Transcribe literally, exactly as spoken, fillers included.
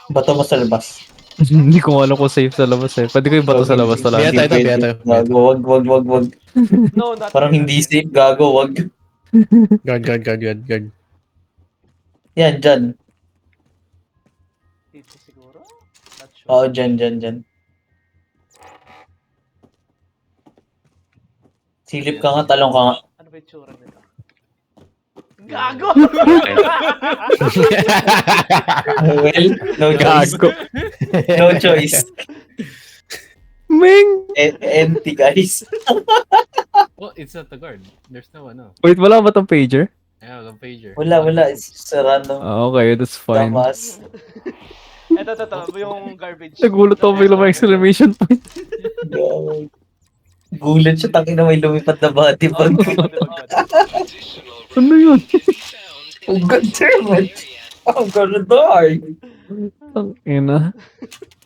Bato mo sa labas. Hindi ko alam kung safe sa labas eh. Pwede ko yung bato sa labas wala. Biya tayo, Hindi biya pwede. tayo, biya Gago, wag, wag, wag, wag. No, not Parang here, hindi not here. safe, gago, wag. Guard, guard, guard, guard, guard. Yan, dyan. Dito siguro? Not sure. Oo, dyan, dyan, dyan. Silip ka nga, talong ka nga. Ano ba yung tsura nito? Gago! Well, no choice. Gago. No choice. Ming! E- empty, guys. Oh, it's not the guard. There's no ano. Wait, wala ba tong pager? Yeah, walang pager. Wala, wala. It's just a random Ah, okay, that's fine. damas. Eto, eto, eto. Yung garbage. Nagulat ako bigla may exclamation point. Gulat siya, tangin na may lumipad na body bag. Ano yun? Oh, god damn it! I'm gonna die! Ang ina.